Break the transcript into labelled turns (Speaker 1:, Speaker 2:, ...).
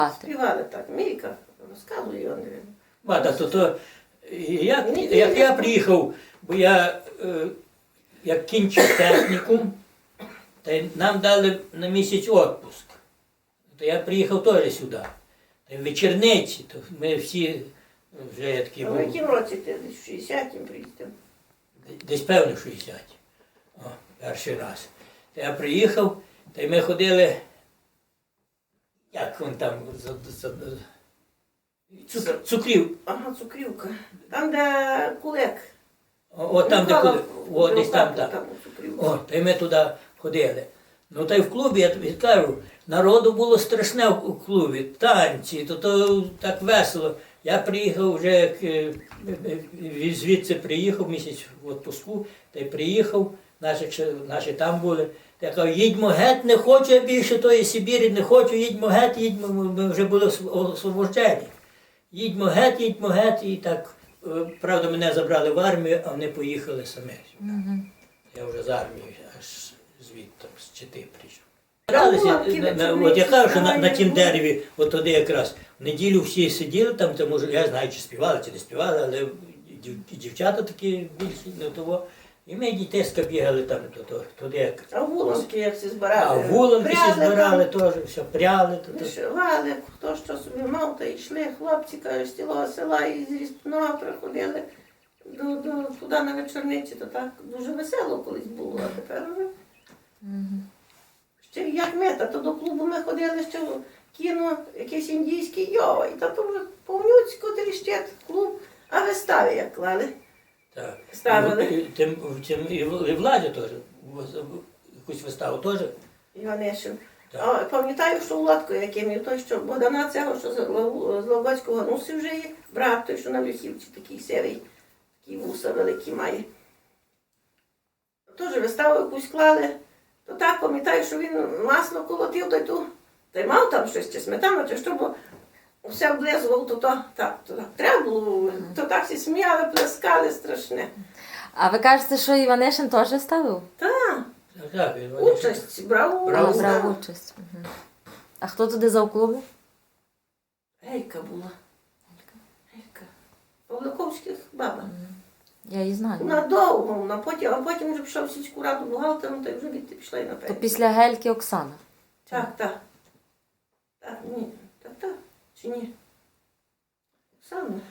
Speaker 1: Співали так. Мійка розказує, я не wiem.
Speaker 2: Мата, як я приїхав, бо я як кінчив технікум, та й нам дали на місяць відпуск. То я приїхав теж сюди. Та й в вечірниці, то ми всі вже такі
Speaker 1: А в
Speaker 2: були.
Speaker 1: якому році ти? Десь в 60-м приїздив?
Speaker 2: Десь певно 60. О, перший раз. Та я приїхав, та й ми ходили, як він там, цукрів.
Speaker 1: Ага, Цукрівка. Там, де Кулек.
Speaker 2: О, там, де
Speaker 1: Михайло,
Speaker 2: о, десь там,
Speaker 1: там,
Speaker 2: так.
Speaker 1: Цукрівка.
Speaker 2: О, та й ми туди ходили. Ну та й в клубі, я тобі кажу, народу було страшне в клубі, танці, то так весело. Я приїхав вже, як звідси приїхав місяць в відпуску, та й приїхав, наші там були. Та я кажу, їдьмо геть, не хочу я більше тої Сибірі, не хочу, їдьмо геть, їдьмо, ми вже були освобождені. Їдьмо геть, і так, правда, мене забрали в армію, а вони поїхали самі. Я вже з армії, аж звідти, з Чити прийшов. От я кажу, що на тім дереві, от туди якраз, в неділю всі сиділи там, то, може, я знаю, чи співали, чи не співали, але дівчата такі більші, не того. І ми дітейська бігали там, туди якраз.
Speaker 1: А вуланки як всі збирали?
Speaker 2: А вуланки всі
Speaker 1: Пряли
Speaker 2: збирали
Speaker 1: там,
Speaker 2: теж, все, пряли.
Speaker 1: вишивали, хто що собі мав, та йшли хлопці, кажуть, з цілого села і з Ріспного приходили туди на вечорниці, то так дуже весело колись було, а тепер вже. Ще як мета, то до клубу ми ходили, ще в кіно, якийсь індійський йова, і то вже повнюцько тріщить клуб, а вистави як клали.
Speaker 2: Так.
Speaker 1: Ставили.
Speaker 2: І Владі теж, якусь виставу теж.
Speaker 1: Іванишин.
Speaker 2: Так.
Speaker 1: А пам'ятаю, що Володко, яким і той, що Богдана цього, що з Ловацького Гануси вже є, брат той, що на Люхівці, такий сивий, такий вуса великі має. Теж виставу якусь клали. То так пам'ятаю, що він масло колотив, та й мав там щось, чи сметану, чи що, бо все облизував, то так. Треба було, то так всі сміяли, плескали страшне.
Speaker 3: А ви кажете, що Іванишин теж ставив?
Speaker 1: Так,
Speaker 2: Так,
Speaker 1: участь, брав
Speaker 2: Брав
Speaker 3: Брав участь. А хто туди за в клубі?
Speaker 1: Гейка була. Гейка. Павликовських баба.
Speaker 3: Я її знаю.
Speaker 1: Вона довго, а потім вже пішов в сільську раду бухгалтером, та й вже відти пішла і на
Speaker 3: То
Speaker 1: пенсію.
Speaker 3: після Гельки Оксана.
Speaker 1: Так. Так, ні. Так. Чи ні? Оксана.